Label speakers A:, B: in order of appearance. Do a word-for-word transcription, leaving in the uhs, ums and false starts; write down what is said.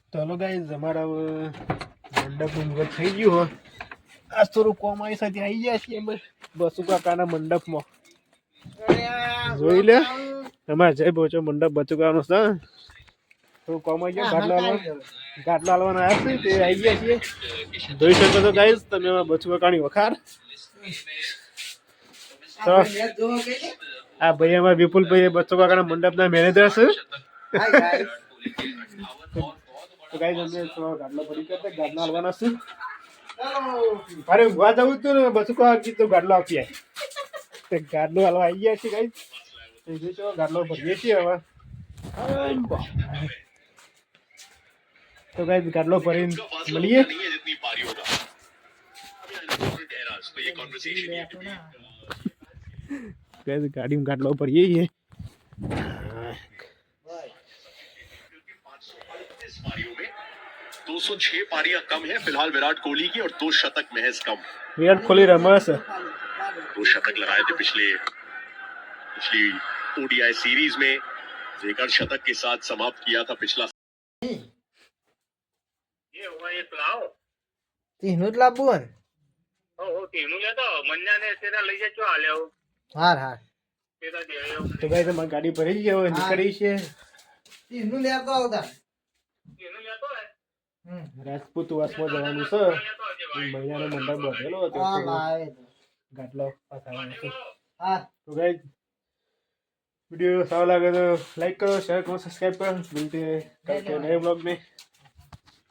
A: તો hello guys અમારા મંડપનું મુહૂર્ત થઈ ગયું હોય. આજ થોડું કોમ આવી સાથે આવી ગયા છીએ અમે બસુ કાકાના મંડપમાં. જોઈ લે અમારે જય પહોંચો મંડપ બચુકાનો છે. થોડું કોમ આવી ગયો ગાટલો હાલવા ગાટલો હાલવાના આવ્યા છે તે આવી ગયા છીએ. જોઈ શકો છો ગાઈઝ તમે બચુ કાકાની વખાર. તો આ ભાઈ અમારા વિપુલભાઈ બચુ કાકાના મંડપના મેનેજર છે. તો ગાઈઝ અમે થોડો ગાટલો ભરી કરતા ગાટલો હાલવાના છે. અરે ઊંઘવા જવું હતું ને બચુ કાકા કીધું ગાટલો આપી આય. ગાટલો હાલવા આવી ગયા છે ગાઈઝ. ગાટલો ભરીએ છીએ હવે. તો ગાઈઝ ગાટલો ભરીને મળીએ. गाइस गाड़ी में गाटलो पर यही है।
B: दो सौ छह पारियां कम है फिलहाल विराट कोहली की और दो शतक महज कम।
A: विराट कोहली रमस
B: दो शतक लगाए थे पिछले पिछली ओडीआई सीरीज में, जेकर शतक के साथ समाप्त किया था पिछला।
C: ये हुआ ये लाओ
D: तीनों જ લાવવું ને
C: ओ ओ तीनों ले तो मन्या ने तेरा लई जा चो आले हो
D: હાર હાર
C: तेरा दे आयो
A: तो गाइस हमारी गाड़ी भरी है और निकली है।
D: तीनों લેતો આવતા
C: तीनों ले तो है
D: હમ
A: રાજપૂત વાસમાં જવાનું છે. મહિનાનો મંડપ બધેલો હતો
D: આ લાવે
A: ગાટલો પાછળનો છે.
D: હા
A: तो गाइस वीडियो सारा लगे तो लाइक करो शेयर करो सब्सक्राइब करो। मिलते हैं कल के नए ब्लॉग में।